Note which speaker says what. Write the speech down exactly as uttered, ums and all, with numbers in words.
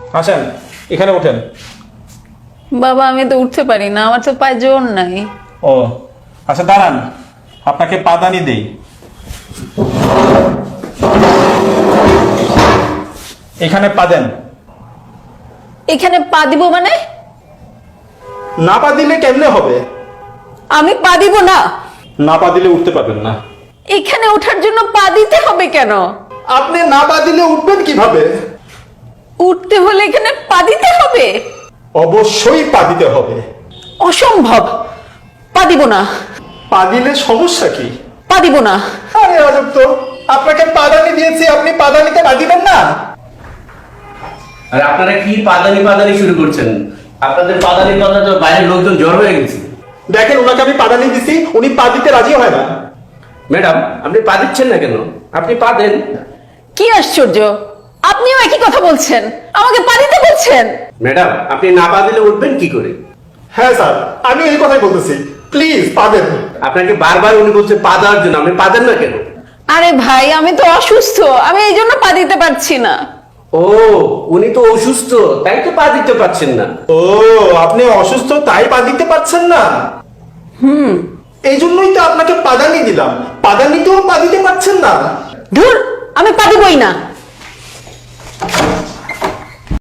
Speaker 1: আসেন, এখানে ওঠেন।
Speaker 2: বাবা আমি তো উঠতে পারি না, আমার তো পায়ে জোর নাই।
Speaker 1: ও আচ্ছা, দাঁড়ান, আপনাকে পাদানি দেই। এখানে পা দেন।
Speaker 2: এখানে পা দিব মানে?
Speaker 1: না পা দিলে কেমনে হবে?
Speaker 2: আমি পা দিব না।
Speaker 1: না পা দিলে উঠতে পারবেন না।
Speaker 2: এখানে ওঠার জন্য পা দিতে হবে কেন?
Speaker 1: আপনি না পা দিলে উঠবেন কিভাবে?
Speaker 2: উঠতে হলে এখানে পা দিতে হবে?
Speaker 1: অবশ্যই পা দিতে হবে।
Speaker 2: অসম্ভব, পা দিব না।
Speaker 1: পা দিলে সমস্যা কি?
Speaker 2: পা দিব না।
Speaker 1: আরে আজব তো, আপনাকে পাদানি দিয়েছি, আপনি পাদানিতে পা দিবেন না?
Speaker 3: আর আপনারা কি পাদানি পাদানি শুরু করছেন? আপনাদের পাদানি কথা তো বাইরের লোকজন জ্বর হয়ে গেছে।
Speaker 1: দেখেন, ওনাকে আমি পাদানি দিছি, উনি পা দিতে রাজি হয় না।
Speaker 3: ম্যাডাম, আপনি পা দিচ্ছেন না কেন? আপনি পা দেন।
Speaker 2: কি আশ্চর্য, আপনিও একই কথা বলছেন, আমাকে পা দিতে বলছেন।
Speaker 3: ম্যাডাম, আপনি না পা দিলে উঠবেন কি করে?
Speaker 1: হ্যাঁ স্যার, আমি এই কথাই বলতেছি, প্লিজ পা দেন।
Speaker 3: আপনাকে বারবার উনি বলছে পা দেওয়ার জন্য, আপনি পা দেন না কেন?
Speaker 2: আরে ভাই আমি তো অসুস্থ, আমি এই জন্য পা দিতে পারছি না।
Speaker 3: ও, উনি তো অসুস্থ, তাই তো পা দিতে পারছেন না।
Speaker 1: ও, আপনি অসুস্থ তাই পা দিতে পারছেন না? হুম, এই জন্যই তো আপনাকে পাদানি দিলাম, পাদানিতেও পা দিতে পারছেন না।
Speaker 2: ধুর, আমি পা দিবই না।